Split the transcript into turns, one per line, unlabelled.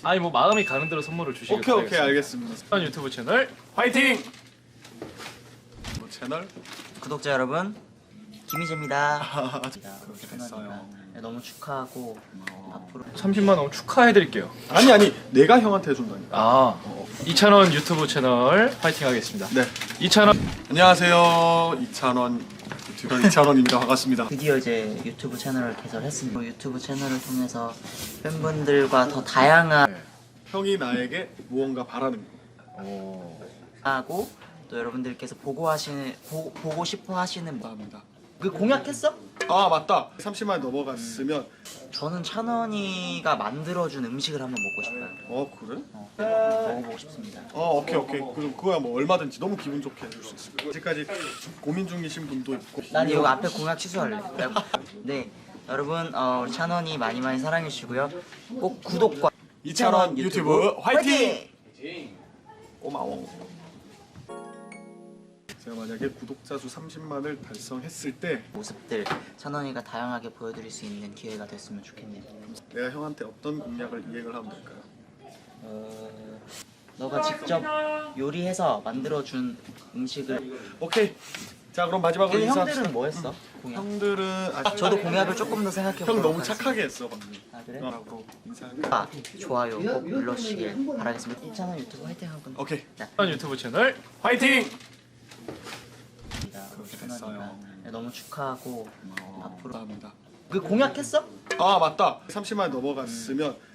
아니 뭐 마음이 가는 대로 선물을 주시길
오케이
바라겠습니다.
알겠습니다.
유튜브 채널
화이팅! 뭐 채널?
구독자 여러분, 김희재입니다.
그렇게 됐어요.
너무 축하하고 앞으로
30만 원 축하해드릴게요.
아니 내가 형한테 해준다니까.
아 이찬원 유튜브 채널 파이팅 하겠습니다.
네.
이찬원
안녕하세요. 이찬원 유튜버 이찬원입니다. 반갑습니다.
드디어 이제 유튜브 채널을 개설했습니다. 유튜브 채널을 통해서 팬분들과 더 다양한
형이 나에게 무언가 바라는 거.
하고 또 여러분들께서 보고 싶어 하시는
감사합니다.
그 공약했어?
아 맞다. 30만 넘어갔으면
저는 찬원이가 만들어준 음식을 한번 먹고 싶어요.
그래?
먹어보고 싶습니다.
오케이. 그럼 그거야 뭐 얼마든지 너무 기분 좋게 해줄 수 있을 거야. 아직까지 고민 중이신 분도 있고.
난 이거 앞에 공약 취소할래. 네, 여러분 우리 찬원이 많이 사랑해 주시고요. 꼭 구독과
이찬원 유튜브 화이팅!
고마워.
제가 만약에 구독자 수 30만을 달성했을 때
모습들 찬원이가 다양하게 보여드릴 수 있는 기회가 됐으면 좋겠네요.
내가 형한테 어떤 공약을 이행을 하면 될까요?
너가 직접 요리해서 만들어준 음식을.
오케이. 자 그럼 마지막으로
그
인사.
형들은 뭐 했어? 공약.
형들은
저도 공약을 조금 더 생각해
형
보도록
너무
하겠습니다.
착하게 했어 방금.
아 그래?
라고 인사를.
좋아요 꼭 눌러주시길 바라겠습니다. 이찬원 유튜브 화이팅 하고.
오케이.
이찬원 유튜브 채널
화이팅!
그렇게
됐어요.
너무 축하하고 앞으로
감사합니다.
그 공약했어?
아 맞다. 30만 넘어갔으면